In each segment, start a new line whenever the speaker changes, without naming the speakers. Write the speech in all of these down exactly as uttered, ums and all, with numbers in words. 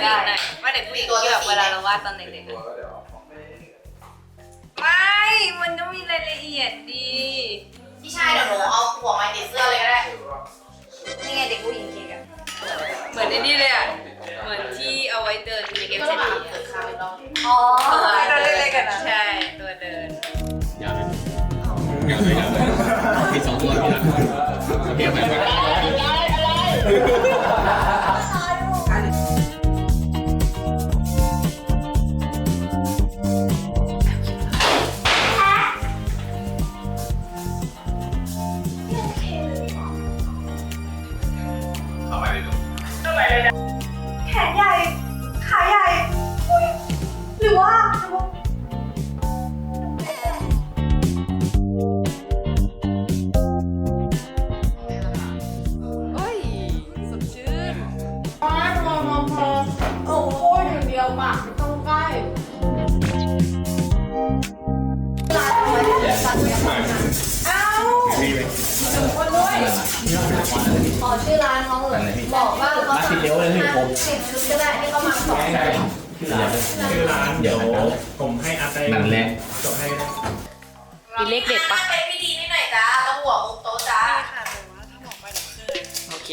หญิงหน่อยว่าเด็กผู้หญิงที่แบบเวลาเราวาดตอนเด็กๆอะไม่ มันต้องมีรายละเอียดดี
พี่ชายเดี๋ยวหนูเอาหัวมาติดเสื้อเลยก็ได้
นี่ไงเด็กผู้หญิงเค้กอะเหมือนในนี่เลยอะเหมือนที่เอาไว้เดินในเกมเซนีอะ
อ๋อ
ตัวเล็กๆกันนะใช่ตัวเดิน
อย่าเลยอย่าเลยอย่าเลยผิดสองตัวผิดละเบียบไหมเข้าไปเลยลูก
แขนใหญ่ ขาใหญ่อุ๊ยหรือว่า
โอ้ยสดชื่น
พอพอพอพอโอ้โหอย่างเดียวปากไม่ต้องใกล้เอ้าคนด้วยขอชื่อร้านน้องเลยบอกว่าเขา
มาสิเดียวเลยพี่ผม
สิบชุดก็ได้ที่เขามาสอง
ใช่ชื่อร้าน
ชื่อร้านเดี๋ยวผมให้อาไป
นั่นแหละ
จบให้ก็ได้
มีเลขเด็ดปะ
เป็นพิธีนิดหน่อยจ้าแล้วหัวมุมโต๊ะจ้า
ค่ะแต่ว่าถ้าบอกไปเดี๋ยวคืนโอเค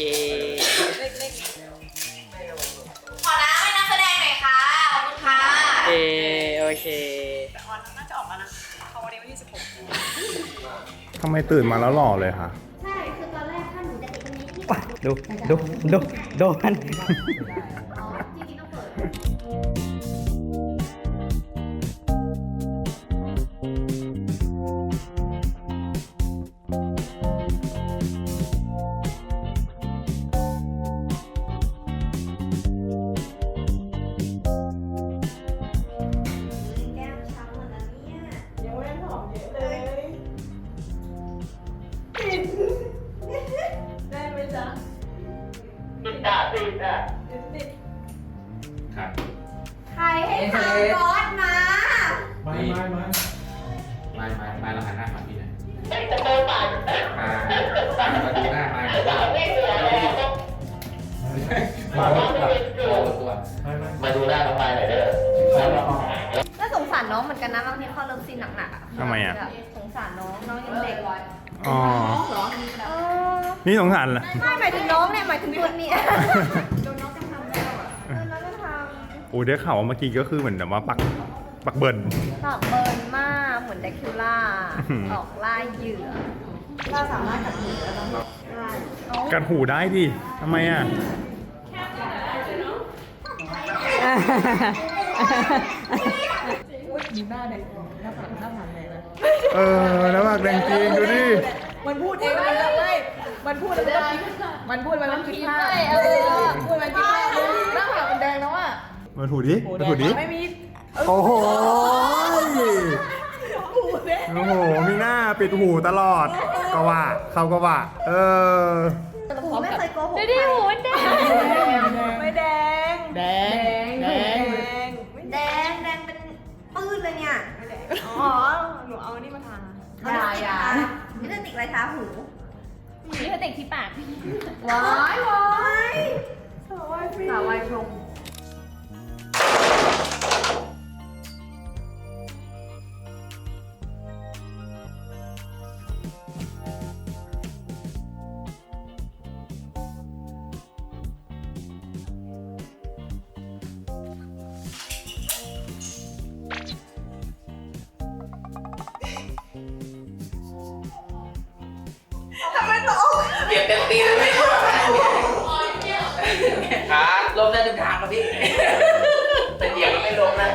ขอน้ำให้นักแสดงหน่อยค่ะขอบคุณค่ะ
เอโอเค
แต่ออนน่าจะออกมานะเขาวันนี้วันที่สิบหก
ทำไมตื่นมาแล้วหล่อเลยคะ
ใช่ คือตอนแรกถ้าหนูจะติดตรงนี้ที่
ดู ดู ดู ดูมัน
อ๋อจริงๆต้องเปิด
แก้มช้ำหมดแล้วเนี่ย
ยังไม่หอมเยอะเลย ได้ไหมจ๊ะติดอ่ะติดอ่ะติด
ครับ
ใครให้ทำร้อนมา
ไม่ไม่ไม่
ไม่ไม่ไม่เราหันหน้ามาพี่หน่อยจะโตป่านอ่ามาดูหน้ามามาตัวตัว
ไม่ไม่
มาดูหน้าน้องไปหน่อยเด้อ
ก็สงสารน้องเหมือนกันนะบางทีเขาเลิฟซีนหนักๆอ่ะ
ทำไมอ่ะ
สงสารน้องน้องยังเด็ก
อ๋อ
เออ
นี่สงสารเหรอ
ไม่หมายถึงน้องเนี่ยหมายถึงคนนี้
โดนน้องกำทำแล้วอ่ะ
เออน้องก็ท
โอ้ได้ข่าวว่าเมื่อกี้ก็คือเหมือนแบบว่าปัก ปักเบิร์น
ำปากเบิร์นมากเหมือนแดคิวล่า
อื้อหือ
ออกล่าเหยื่อ
เราสามารถกัดหูแล้วเนาะ
กัดหูได้ดิทำไมอ่ะ
อุ้ยมีหน้าเด็กหน้าผากหน้าผากไหนเลย
เออ แล้วปากแดงจริงดูดิ
มันพูดเองเลยไม่มันพูดแล้วมันก็คิดมันพูดมันก็คิดพลาดเออพูดมันคิดพลาดหน้าผากมันแดงแล้วอ่ะ
มาถูดิมาถูดิ
ไม่มี
โอ้โห
หูเด้
โอ้โห มีหน้าปิดหูตลอด ก็ว่า เขาก็ว่า เออ
หูไม่เคยโกหก
ดูดิหูแดง
ไม่แดงแดงแดง
แดงแดงเป็นปื้นเลยเนี่ย
อ๋อหนูเอานี่มาทา
เอาลิปสติกทาลิปสติกอะไรทาหู
นี่เขาแต่งที่ปาก
ว้ายว้าย
สาววายฟรี
สาววายชง
เบียดเต็มตีเลยพี่ครับลมได้ทุกทางครับพี่แต่เหยียบก็ไม่ลงนะ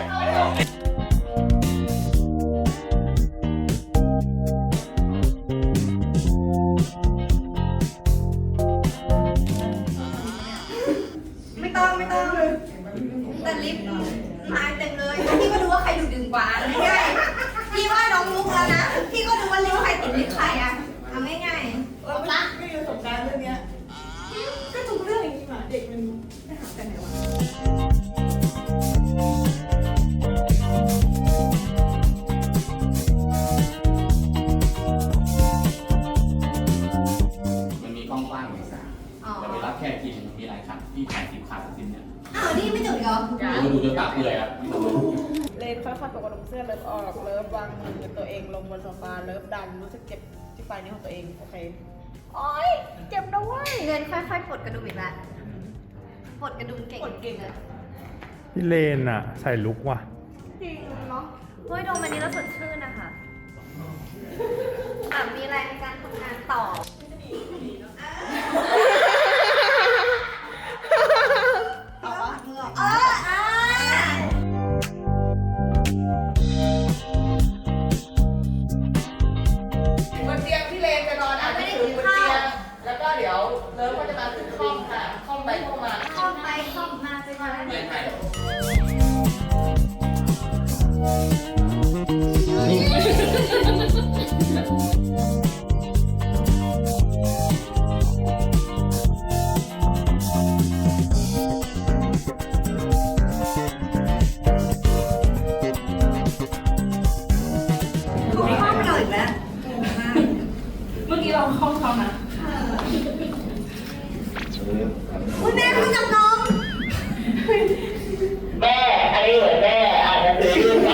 ไม่ต้องไม่ต้องแต่ลิปไม้เต็มเลยพี่ก็ดูว่าใครดูดึงกว่าง่ายๆพี่ว่าน้องลุกแล้วนะพี่ก็ดูว่าลิปใครติดลิปใครอ่ะทำง่ายๆ
เออไม่ไม่มีประสบการณ์เรื่องเนี้ยก็ทุกเรื่องอย่างนี้มาเด็กมันไม่หากันไหนวะ
มันมีกล้องกว้างหนึ่งสามแต่เวลาแค่ทีนึงมันมีหลายคันที่ถ่ายสิบคันสิบเนี่ย
อ้าวนี่ไม่จบอีกเหรอ
ดูจนปากเปื่อยครับ
เลนค่อยๆปลดกระดุมเสื้อเลิฟออกเลิฟวางมือตัวเองลงบนโซฟาเลิฟดันรู้สึกเจ็บที่ปลายนิ้วของตัวเองโอเคโอ๊ยเจ็บนะเว้ย
เงินค่อยๆปลดกระดุมอีกแล้วปลดกระดุมเก่ง
ปลดเก่งอะ
พี่เลนอะใส่ลุกว่ะ
จริงเนาะ
เฮ้ยโดมอันนี้แล้วสดชื่นนะคะแบบมีแรงในการทำงานต่อ
เอาปะ
เอออ่า
บนเตียงพี่เลนจะนอนอ่านหนังสือบนเตียงแล้วก็เดี๋ยวเลิฟก็จะมาถึงห้องค่ะห้องไปห้องมา
เข้าไปเข้ามาไปมา
ไม่ใช่
ทุกห้องเราอีกแล้ว
เมื่อกี้เราเข้าเขานะ
คุณแม่เขาจับน้อง
แม่อันนี้เหมือนแม่อาจจะซื้อลูกไป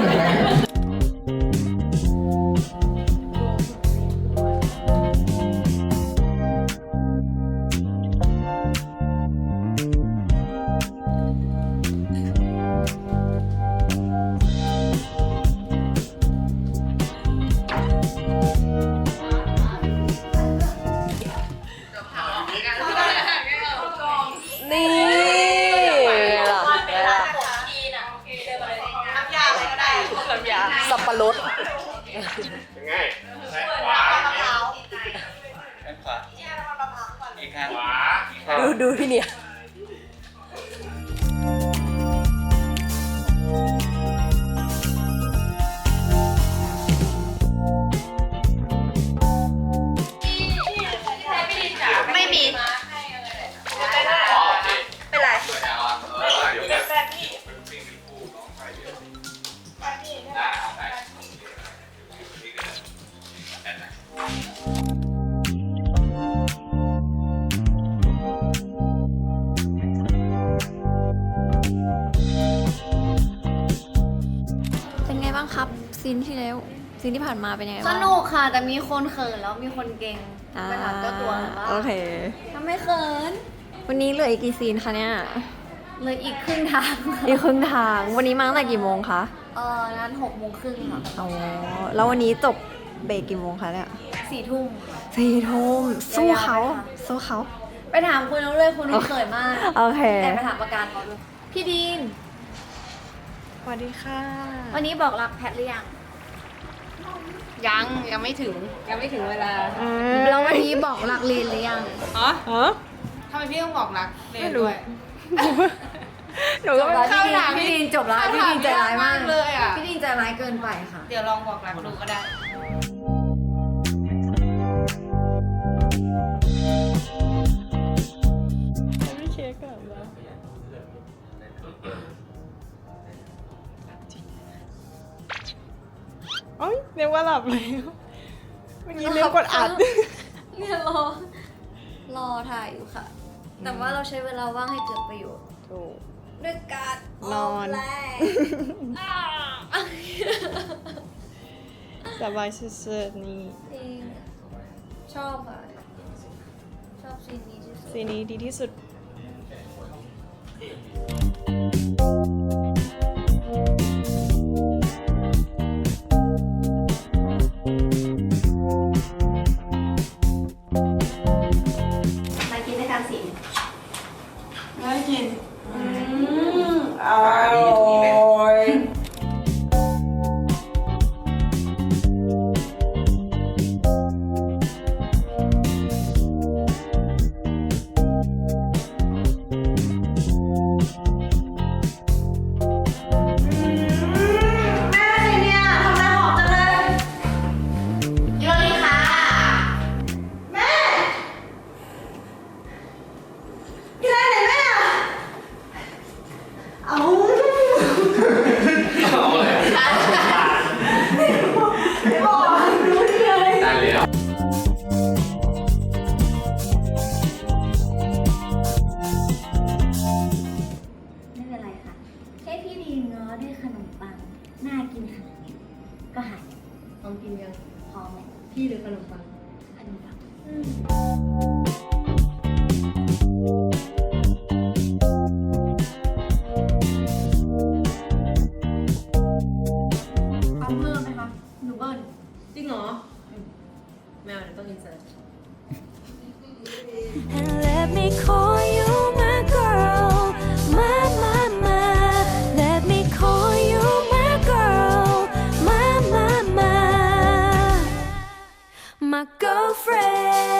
นี่หรอ
น้ำยาอะไรก็ได้น้ำยา
สับปะรด
ยังไงซ้ายขวา
ด้านขวาอีกข้าง
ขวา
ดูดูพี่เนี่ย
ไม่มี
อ๋อโอเค
เป็นไร
สวยแล้วอ่ะเออเดี๋ยวแบบนะเอาไปนี่ก็ได้แอนนะ
เป็นไงบ้างครับซีนที่แล้วซีนที่ผ่านมาเป็นยังไง
ส
บ้าง
นุกค่ะ แต่มีคนเขินแล้วมีคนเก่ง
อ่า
ไปถามเจ้าตัวว่า
โอเค
ทำไมเขิน
วันนี้เหลืออีกกี่ซีนคะเนี่ย
เลยอีกครึ่งทาง
อีกครึ่งทาง วันนี้มาตั้งแต่กี่โมงคะ
เออนั้นหกโมงครึ่งค่ะ
อ๋อ แล้ววันนี้จบเบรกกี่โมงคะเนี่ย
สี่ทุ่ม
สี่ทุ่มสู้เขา
ยาวๆไปค่ะ
สู้เขา
ไปถามคุณน้องเลยคุณน้องเขินมาก
โอเค
แต่ไปถามประการเขาด้วยพี่ดีน
สวัสดีค่ะ
วันนี้บอกรักแพทหรือยัง
ยังยังไม่ถึงยังไม่ถึงเวลา
แล้ววันนี้บอกรักเลนหรือยัง
อ๋อ
ฮะ
ทำไมพี่ต้องบอกรักเรนด้วย
หนู
จ
ก็
บ
ไม่
แล้ว
เข้า
พี่
ถาม
ดีน
พี่
พี่ดีนจบแล้วพี่ดีนใจร้ายมาก
เลยอ่ะ
พี่ดีนใจร้ายเกินไปค่ะ
เดี๋ยวลองบอกรักดูก็ได้
ไม่เช็คกันแล้วโอ๊ยเรียกว่าหลับแล้วเมื่อกี้เรียกกดอัด
เนี่ยรอ รอถ่ายอยู่ค่ะ แต่ว่าเราใช้เวลาว่างให้เกิดประโยชน์
ถูก
ด้วยการ
นอน
แรง
สบายสุดๆนี่
จริงชอบค่ะ ชอบซีนนี้ที่สุด
ซีนนี้ดีที่สุด
มากินด้วยกันสิ
น่ากิน อืมอร่อย
ได้เลยอ่ะ
ไม่เป็นไรค่ะ
ดีง้อด้วยขนมปังน่ากินขนาดนี้ก็หาย
ลองกินยัง
พร้อมไหม
พี่หรือขนมปัง
ขนมปัง
เอาเพิ่มไหมคะหนูเบิ้ล
จริงเหรอแมวเดี๋ยวต้องอินเสิร์ต
And let me call you my girl, my, my, my. Let me call you my girl, my, my, my. My girlfriend.